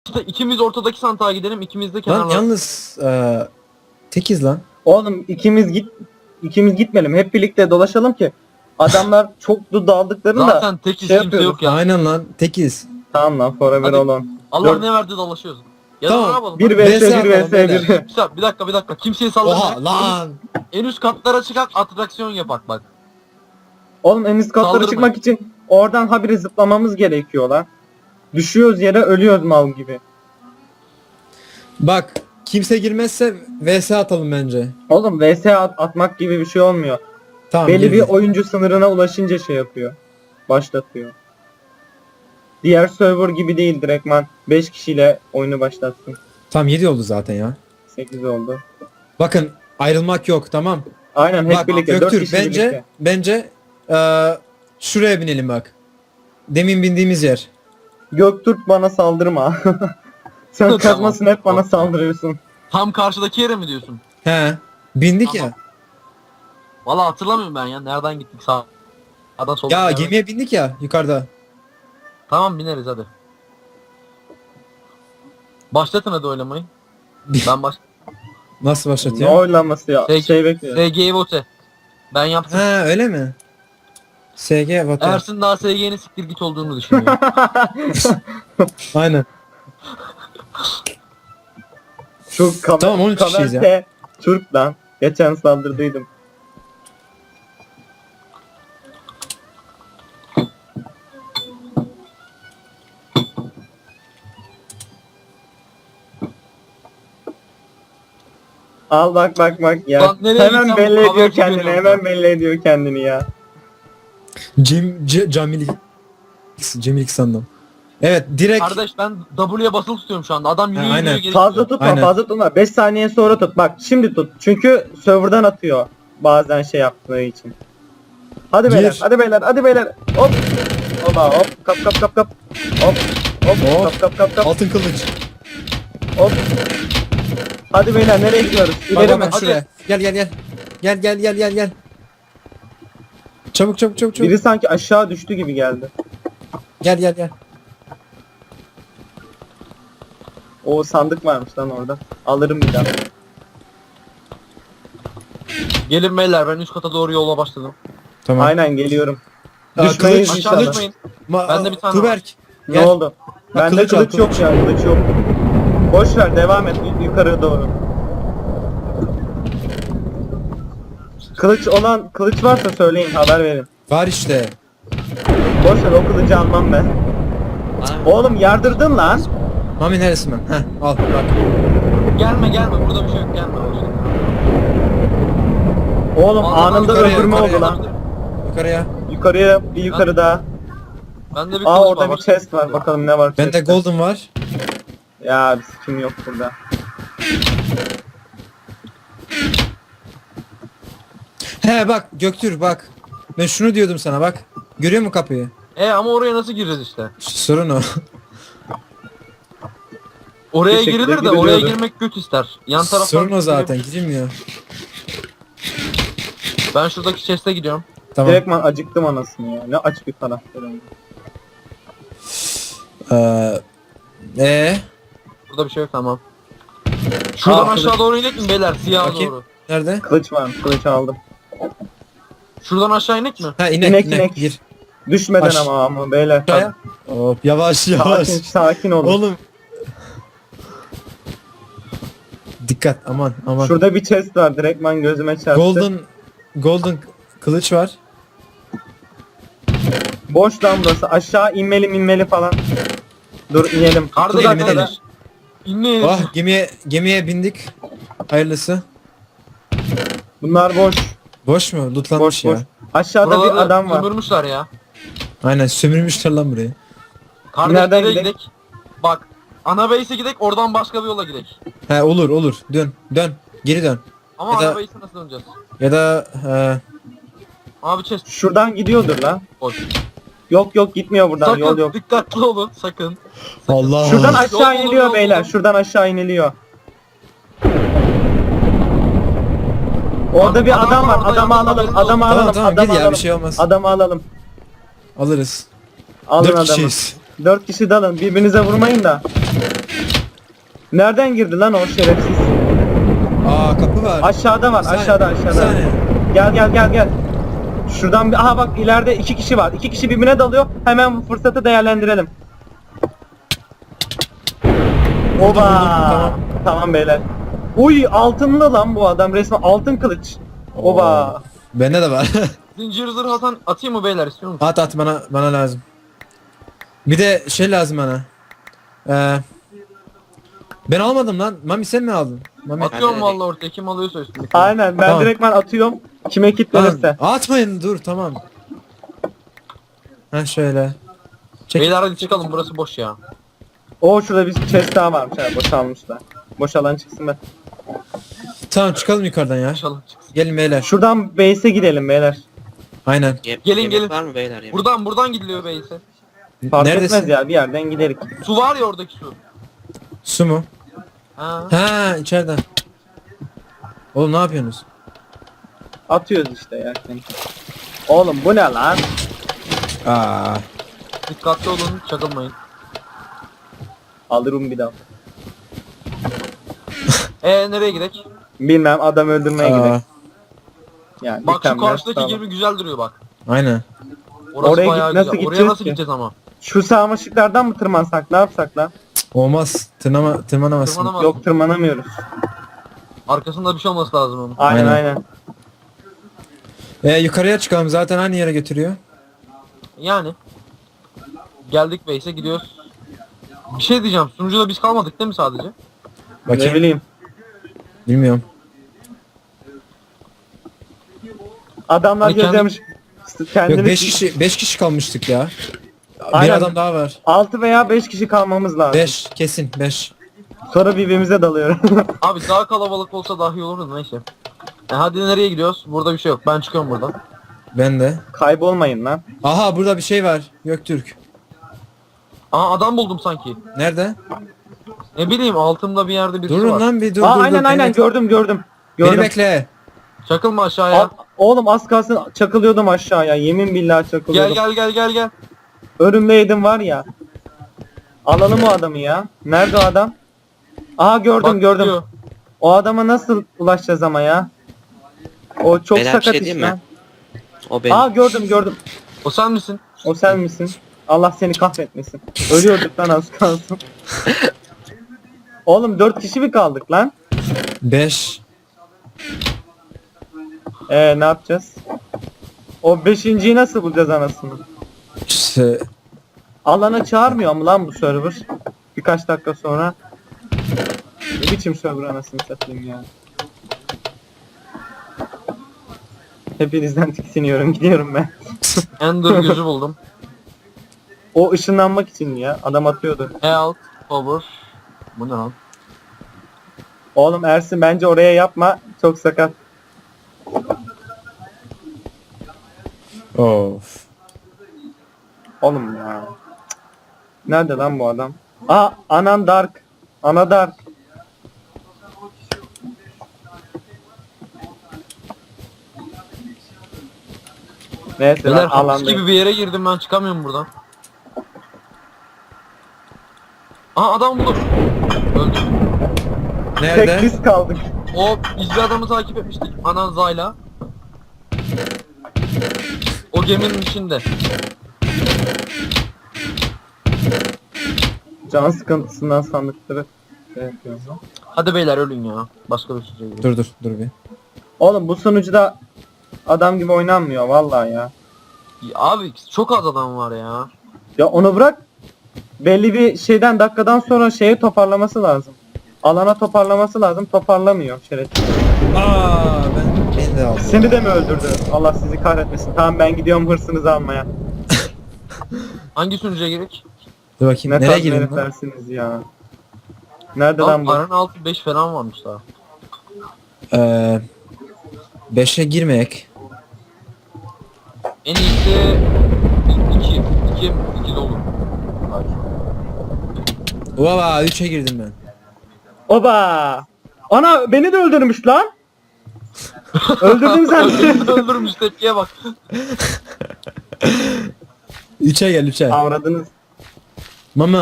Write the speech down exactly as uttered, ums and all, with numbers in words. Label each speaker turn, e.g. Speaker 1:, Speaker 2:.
Speaker 1: İşte ikimiz ortadaki sandığa gidelim, ikimiz de
Speaker 2: Lan
Speaker 1: kenarlara.
Speaker 2: yalnız eee tekiz lan.
Speaker 3: Oğlum ikimiz git ikimiz gitmeyelim. Hep birlikte dolaşalım ki adamlar çok da daldıklarında
Speaker 1: Zaten tek
Speaker 3: şey
Speaker 1: şey kimse
Speaker 3: yapıyoruz.
Speaker 1: yok ya.
Speaker 2: Aynen lan tekiz.
Speaker 3: tamam lan forever
Speaker 1: Hadi.
Speaker 3: olun.
Speaker 1: Allah
Speaker 3: Dört-
Speaker 1: ne verdi dolaşıyoruz. Ya
Speaker 2: Tamam,
Speaker 1: da ne yapalım?
Speaker 3: bir
Speaker 2: V S
Speaker 3: vs bir
Speaker 2: atalım
Speaker 3: vs
Speaker 2: beyler.
Speaker 3: bir.
Speaker 1: Bir, bir dakika bir dakika. Kimseyi sallamayacak.
Speaker 2: Oha lan.
Speaker 1: En üst katlara çıkak, atraksiyon yapak bak.
Speaker 3: Oğlum en üst katlara
Speaker 1: Saldırmayın.
Speaker 3: çıkmak için oradan habire zıplamamız gerekiyor lan. Düşüyoruz yere ölüyoruz mal gibi.
Speaker 2: Bak kimse girmezse V S atalım bence.
Speaker 3: Oğlum vs at- atmak gibi bir şey olmuyor.
Speaker 2: Tamam.
Speaker 3: Belli bir
Speaker 2: girdik.
Speaker 3: oyuncu sınırına ulaşınca şey yapıyor. Başlatıyor. Diğer server gibi değil direktman beş kişiyle oyunu başlattım.
Speaker 2: Tamam yedi oldu zaten ya.
Speaker 3: sekiz oldu.
Speaker 2: Bakın ayrılmak yok tamam.
Speaker 3: Aynen hep
Speaker 2: Bak
Speaker 3: birlikte dört
Speaker 2: Göktürk
Speaker 3: kişi
Speaker 2: bence
Speaker 3: birlikte.
Speaker 2: bence eee şuraya binelim bak. Demin bindiğimiz yer.
Speaker 3: Göktürk bana saldırma. Sen
Speaker 1: Tamam.
Speaker 3: kazmasın hep bana saldırıyorsun.
Speaker 1: Tam karşıdaki yere mi diyorsun?
Speaker 2: He. Bindik
Speaker 1: Tamam.
Speaker 2: ya.
Speaker 1: Valla hatırlamıyorum ben ya. Nereden gittik sağ? Sağdan soldan.
Speaker 2: Ya
Speaker 1: nereden?
Speaker 2: gemiye bindik ya yukarıda.
Speaker 1: Tamam bineriz hadi. Başlatın hadi oylamayı. Ben baş...
Speaker 2: Nasıl
Speaker 3: Ne
Speaker 2: başlatıyor?
Speaker 3: oylaması ya?
Speaker 1: Şey-
Speaker 3: Şey bekliyor.
Speaker 1: S G'yi vote. Ben yaptım.
Speaker 2: Ha öyle mi? S G Vatan.
Speaker 1: Ersin daha S G'nin siktir git olduğunu düşünüyor.
Speaker 2: Aynen.
Speaker 3: Şu kamer
Speaker 2: Tamam, on üç kişiyiz ya.
Speaker 3: Kamerse Türk lan. Geçen saldırdıydım. Al bak bak bak ya.
Speaker 1: Lan nereye
Speaker 3: Hemen
Speaker 1: gitsem
Speaker 3: belli
Speaker 1: bu
Speaker 3: ediyor
Speaker 1: haberci
Speaker 3: kendini.
Speaker 1: görüyorum
Speaker 3: Hemen
Speaker 1: ben.
Speaker 3: belli ediyor kendini ya.
Speaker 2: Cem C Camil Cemil sandım. Evet direkt
Speaker 1: Kardeş ben W'ye basılı tutuyorum şu anda. Adam yürüyor
Speaker 2: Ha,
Speaker 1: yürüyor
Speaker 2: aynen.
Speaker 1: geri
Speaker 3: Fazla
Speaker 1: gidiyor.
Speaker 3: tutma
Speaker 2: Aynen.
Speaker 3: fazla tutma. beş saniye sonra tut. Bak şimdi tut. Çünkü serverdan atıyor. Bazen şey yaptığı için. Hadi
Speaker 2: Gir.
Speaker 3: beyler, hadi beyler, hadi beyler. Hop. Oba hop. Kap kap kap kap. Hop. Hop.
Speaker 2: Hop.
Speaker 3: Kap kap kap kap.
Speaker 2: altın kılıç.
Speaker 3: Hop. Hadi beyler nereye gidiyoruz?
Speaker 2: Bak
Speaker 3: İleri
Speaker 2: bak
Speaker 3: mi?
Speaker 2: bak şuraya. Gel gel gel. Gel gel gel gel gel. Çabuk çabuk çabuk çabuk.
Speaker 3: Biri sanki aşağı düştü gibi geldi.
Speaker 2: Gel gel gel.
Speaker 3: O sandık varmış lan orada. Alırım bir daha.
Speaker 1: Gelin beyler ben üst kata doğru yola başladım.
Speaker 2: Tamam.
Speaker 3: Aynen geliyorum.
Speaker 2: Aa,
Speaker 3: Düşmeyiz
Speaker 2: kılıç,
Speaker 3: inşallah.
Speaker 1: Aşağı düşmeyin.
Speaker 2: Ma
Speaker 1: Bende bir tane
Speaker 2: Tuberk.
Speaker 3: Ne
Speaker 2: Gel.
Speaker 3: oldu? Bende
Speaker 2: kılıç
Speaker 3: kılıç,
Speaker 2: al,
Speaker 3: yok
Speaker 2: kılıç.
Speaker 3: ya, kılıç yok. Boş ver, devam et y- yukarı doğru. Kılıç olan, kılıç varsa söyleyin, haber verin.
Speaker 2: Var işte.
Speaker 3: Boş ver, o kılıcı almam ben. Oğlum yardırdın lan.
Speaker 2: Mami neresi ben? Heh al bak.
Speaker 1: Gelme gelme burada bir şey yok gelme.
Speaker 3: Oğlum
Speaker 1: Vallahi
Speaker 3: anında
Speaker 2: yukarıya,
Speaker 3: öldürme
Speaker 2: yukarıya.
Speaker 3: oldu lan.
Speaker 2: Yukarıya.
Speaker 3: Yukarıya, bir yukarı daha.
Speaker 1: Bende bir
Speaker 3: Aa
Speaker 1: kılıç
Speaker 3: orada
Speaker 1: var,
Speaker 3: bir
Speaker 1: başka
Speaker 3: chest var, bakalım ne var
Speaker 2: Bende
Speaker 3: chest'te.
Speaker 2: golden var.
Speaker 3: Ya bir sikim yok burada.
Speaker 2: He bak Göktürk bak. Ben şunu diyordum sana bak. Görüyor musun kapıyı?
Speaker 1: E ama oraya nasıl gireceğiz işte?
Speaker 2: İşte sorun o.
Speaker 1: Oraya
Speaker 3: Bir şekilde
Speaker 1: girilir de oraya
Speaker 3: giriliyordu.
Speaker 1: girmek göt ister. Yan taraftan
Speaker 2: Sorun o zaten girilmiyor.
Speaker 1: Ben şuradaki chest'e gidiyorum.
Speaker 2: Tamam.
Speaker 3: Direktman acıktım anasını ya. Ne aç bir karakter.
Speaker 2: Ee, ee,
Speaker 1: Burada bir şey yok tamam. Şuradan
Speaker 3: Aa,
Speaker 1: aşağı doğru inek mi beyler? Siyaha
Speaker 2: Bakayım.
Speaker 1: doğru.
Speaker 2: nerede?
Speaker 3: Kılıç var, kılıç aldım.
Speaker 1: Şuradan aşağı inek mi?
Speaker 2: Ha inek
Speaker 3: İnek,
Speaker 2: inek,
Speaker 3: inek.
Speaker 2: gir.
Speaker 3: Düşmeden
Speaker 2: Aş-
Speaker 3: ama ama beyler.
Speaker 2: Aşağıya. Hop yavaş yavaş.
Speaker 3: Sakin, sakin olun.
Speaker 2: Oğlum. Dikkat aman aman.
Speaker 3: Şurada bir chest var, direktman gözüme çarptı.
Speaker 2: Golden golden kılıç var.
Speaker 3: Boş lan burası. Aşağı inmeli inmeli falan. Dur inelim.
Speaker 1: Kardeş
Speaker 3: Tuzak
Speaker 2: inelim,
Speaker 3: var.
Speaker 2: inelim.
Speaker 1: İnmeyelim.
Speaker 2: Ah gemiye gemiye bindik. Hayırlısı.
Speaker 3: Bunlar boş.
Speaker 2: Boş mu? Lootlanmış
Speaker 3: Boş
Speaker 2: ya.
Speaker 3: boş. Aşağıda
Speaker 1: Buraları
Speaker 3: bir adam var.
Speaker 1: sömürmüşler ya.
Speaker 2: Aynen sömürmüşler lan burayı.
Speaker 1: Kardeş
Speaker 3: Nereden
Speaker 1: nereye
Speaker 3: gidek?
Speaker 1: gidek? Bak. Ana base'e gidek oradan başka bir yola gidek.
Speaker 2: He olur olur. Dön dön. Geri dön.
Speaker 1: Ama
Speaker 2: Ya da-
Speaker 1: ana base'e nasıl döneceğiz?
Speaker 2: Ya da e,
Speaker 1: Abi chest
Speaker 3: Şuradan gidiyordur lan.
Speaker 1: boş.
Speaker 3: Yok yok gitmiyor buradan.
Speaker 1: Sakın
Speaker 3: Yol yok.
Speaker 1: dikkatli olun sakın.
Speaker 2: Allah.
Speaker 3: Şuradan
Speaker 1: Yol
Speaker 3: aşağı
Speaker 1: bulun,
Speaker 3: iniliyor
Speaker 1: yol
Speaker 3: beyler.
Speaker 1: bulun.
Speaker 3: Şuradan aşağı iniliyor. Orada
Speaker 1: Abi,
Speaker 3: bir
Speaker 1: adam
Speaker 3: adam
Speaker 1: var,
Speaker 3: var.
Speaker 1: orada
Speaker 3: Adamı
Speaker 1: yalnız
Speaker 3: alalım.
Speaker 1: haberiniz
Speaker 3: Adamı
Speaker 1: olsun.
Speaker 2: Tamam
Speaker 3: alalım.
Speaker 2: tamam
Speaker 3: Adamı
Speaker 2: gel ya
Speaker 3: alalım.
Speaker 2: bir şey olmaz.
Speaker 3: Adamı alalım.
Speaker 2: Alırız.
Speaker 3: Alın
Speaker 2: Dört
Speaker 3: adamı.
Speaker 2: kişiyiz.
Speaker 3: Dört kişi dalın. Birbirinize vurmayın da. Nereden girdi lan o şerefsiz?
Speaker 2: Aa kapı var.
Speaker 3: Aşağıda var,
Speaker 2: Bir saniye,
Speaker 3: aşağıda
Speaker 2: bir
Speaker 3: aşağıda.
Speaker 2: saniye.
Speaker 3: Gel gel gel gel. Şuradan bir, aha bak ileride iki kişi var. İki kişi birbirine dalıyor. Hemen bu fırsatı değerlendirelim. Oba.
Speaker 2: Tamam.
Speaker 3: Tamam beyler. Uy altınlı lan bu adam resmen altın kılıç. Oba.
Speaker 2: Bende de var.
Speaker 1: Zincir zırh atan atayım mı beyler, istiyor musun?
Speaker 2: At at bana bana lazım. Bir de şey lazım bana. Ee, ben almadım lan. Mami sen mi aldın? Mami.
Speaker 1: Atıyorum
Speaker 4: Hadi,
Speaker 1: vallahi ortaya, kim alıyorsa üstüne.
Speaker 3: Aynen ben
Speaker 2: Tamam.
Speaker 3: direktmen atıyorum. Kime
Speaker 2: Lan,
Speaker 3: kilitlenirse.
Speaker 2: atmayın dur tamam. Ha şöyle. Çek.
Speaker 1: Beyler hadi çıkalım, burası boş ya.
Speaker 3: Oo şurada bir chest daha varmış ha boşalmışlar. Boşalan çıksın be.
Speaker 2: Tamam çıkalım yukarıdan ya.
Speaker 1: İnşallah çıksın.
Speaker 2: Gelin beyler.
Speaker 3: Şuradan base'e gidelim beyler.
Speaker 2: Aynen.
Speaker 4: Ye-
Speaker 1: Gelin,
Speaker 4: yemek
Speaker 1: gelin.
Speaker 4: var mı beyler yemek?
Speaker 1: Buradan buradan gidiliyor beyse.
Speaker 3: Fark
Speaker 2: Neredesin?
Speaker 3: etmez ya bir yerden giderik.
Speaker 1: Su var ya oradaki su.
Speaker 2: Su mu?
Speaker 1: Ha.
Speaker 2: Ha içeriden. Oğlum ne yapıyorsunuz?
Speaker 3: Atıyoruz işte ya. Oğlum bu ne lan?
Speaker 2: Aa.
Speaker 1: Dikkatli olun, çakılmayın.
Speaker 3: Alırım bir daha.
Speaker 1: Ee nereye gidek?
Speaker 3: Bilmem adam öldürmeye
Speaker 2: Aa.
Speaker 3: gidelim. Yani
Speaker 1: Bak şu
Speaker 3: mükemmel,
Speaker 1: karşıdaki
Speaker 3: tamam.
Speaker 1: gemi güzel duruyor bak.
Speaker 2: Aynen.
Speaker 1: Orası
Speaker 3: Oraya
Speaker 1: bayağı
Speaker 3: git- nasıl
Speaker 1: güzel. Oraya
Speaker 3: gideceğiz
Speaker 1: nasıl
Speaker 3: ki?
Speaker 1: gideceğiz ama?
Speaker 3: Şu sarmaşıklardan mı tırmansak ne yapsak lan?
Speaker 2: Olmaz. Tırnama, tırmanamazsın.
Speaker 1: Tırmanamaz.
Speaker 3: Yok tırmanamıyoruz.
Speaker 1: Arkasında bir şey olması lazım onun.
Speaker 3: Aynen
Speaker 2: Aynen.
Speaker 3: aynen.
Speaker 2: Ee, yukarıya çıkalım zaten aynı yere götürüyor.
Speaker 1: Yani. Geldik base'e gidiyoruz. Bir şey diyeceğim. Sunucuda biz kalmadık değil mi sadece?
Speaker 3: Ne
Speaker 2: Bakayım.
Speaker 3: bileyim.
Speaker 2: Bilmiyorum.
Speaker 3: Adamlar
Speaker 1: Ay, kendi-
Speaker 3: gözlemiş. Kendini...
Speaker 2: Yok beş kişi beş kişi kalmıştık ya. Bir
Speaker 3: Aynen.
Speaker 2: adam daha var.
Speaker 3: altı veya beş kişi kalmamız lazım.
Speaker 2: beş kesin beş.
Speaker 3: Sonra birbirimize dalıyoruz.
Speaker 1: Abi daha kalabalık olsa daha iyi olurdu, neyse. E hadi nereye gidiyoruz? Burada bir şey yok. Ben çıkıyorum buradan.
Speaker 2: Ben de.
Speaker 3: Kaybolmayın lan.
Speaker 2: Aha burada bir şey var. Göktürk.
Speaker 1: Aa adam buldum sanki.
Speaker 2: Nerede?
Speaker 1: Ne bileyim, altımda bir yerde birisi
Speaker 2: Durun
Speaker 1: var.
Speaker 2: lan bir dur
Speaker 3: Aa
Speaker 2: dur
Speaker 3: aynen
Speaker 2: dur.
Speaker 3: aynen
Speaker 2: Beni,
Speaker 3: gördüm gördüm.
Speaker 2: beni
Speaker 3: Gördüm.
Speaker 2: bekle.
Speaker 1: Çakılma aşağıya.
Speaker 3: Aa, oğlum az kalsın çakılıyordum aşağıya. Yemin billahi
Speaker 1: Gel
Speaker 3: çakılıyordum.
Speaker 1: gel gel gel gel.
Speaker 3: Önümdeydim var ya. Alalım o adamı ya. Nerede o adam? Aha gördüm
Speaker 1: Bak,
Speaker 3: gördüm.
Speaker 1: gidiyor.
Speaker 3: O adama nasıl ulaşacağız ama ya? O çok
Speaker 4: Beyler, bir
Speaker 3: sakat
Speaker 4: şey
Speaker 3: iş
Speaker 4: diyeyim
Speaker 3: lan.
Speaker 4: mi? O benim.
Speaker 3: Aa gördüm gördüm.
Speaker 1: O sen misin?
Speaker 3: O sen misin? Allah seni kahretmesin. Ölüyorduk lan az kalsın. Oğlum dört kişi mi kaldık lan?
Speaker 2: beş.
Speaker 3: Ee ne yapacağız? O beşinciyi nasıl bulacağız anasını?
Speaker 2: İşte,
Speaker 3: Alana çağırmıyor mu lan bu server? Birkaç dakika sonra. Ne biçim server anasını satayım ya. Hepinizden tiksiniyorum gidiyorum ben.
Speaker 1: Ender gözü buldum.
Speaker 3: O ışınlanmak için mi ya? Adam atıyordu.
Speaker 1: Health, power. Bu ne lan?
Speaker 3: Oğlum Ersin bence oraya yapma. Çok sakat.
Speaker 2: of.
Speaker 3: Oğlum ya. Cık. Nerede lan bu adam? Aa Anan Dark. Ana Dark. Neyse
Speaker 1: Beyler
Speaker 3: lan
Speaker 1: hapis
Speaker 3: alanda.
Speaker 1: gibi bir yere girdim, ben çıkamıyorum buradan. Aha adam buldum. Öldüm.
Speaker 3: Tek
Speaker 2: Nerede?
Speaker 3: biz kaldık.
Speaker 1: O biz bir adamı takip etmiştik. Anan Zayla. O geminin içinde.
Speaker 3: Can sıkıntısından sandıkları şey yapıyoruz.
Speaker 1: Hadi beyler ölün ya. Başka bir şey değil.
Speaker 2: Dur dur dur bir.
Speaker 3: Oğlum bu sunucuda adam gibi oynanmıyor vallahi ya.
Speaker 1: Ya abi çok az adam var ya.
Speaker 3: Ya onu bırak. Belli bir şeyden dakikadan sonra şeyi toparlaması lazım. Alana toparlaması lazım. Toparlamıyor şerefsiz.
Speaker 2: Aa ben beni de aldı.
Speaker 3: Seni de mi öldürdü? Allah sizi kahretmesin. Tamam ben gidiyorum hırsınızı almaya.
Speaker 1: Hangi sunucuya gerek?
Speaker 2: Dur bakayım
Speaker 3: Ne
Speaker 2: nereye
Speaker 3: tarz
Speaker 2: girdim lan?
Speaker 3: heriflersiniz ya. Nerede lan
Speaker 1: Lan
Speaker 3: bu?
Speaker 1: paranın altı beş falan varmış daha.
Speaker 2: Ee, beşe girmek.
Speaker 1: En iyisi iki. iki. iki dolu. Hayır.
Speaker 2: Valla üçe girdim ben.
Speaker 3: Oba! Ana beni de öldürmüş lan. Öldürdüm sen.
Speaker 1: Öldürmüş, tepkiye bak.
Speaker 2: üçe gel üçe.
Speaker 3: Avradınız.
Speaker 2: Mama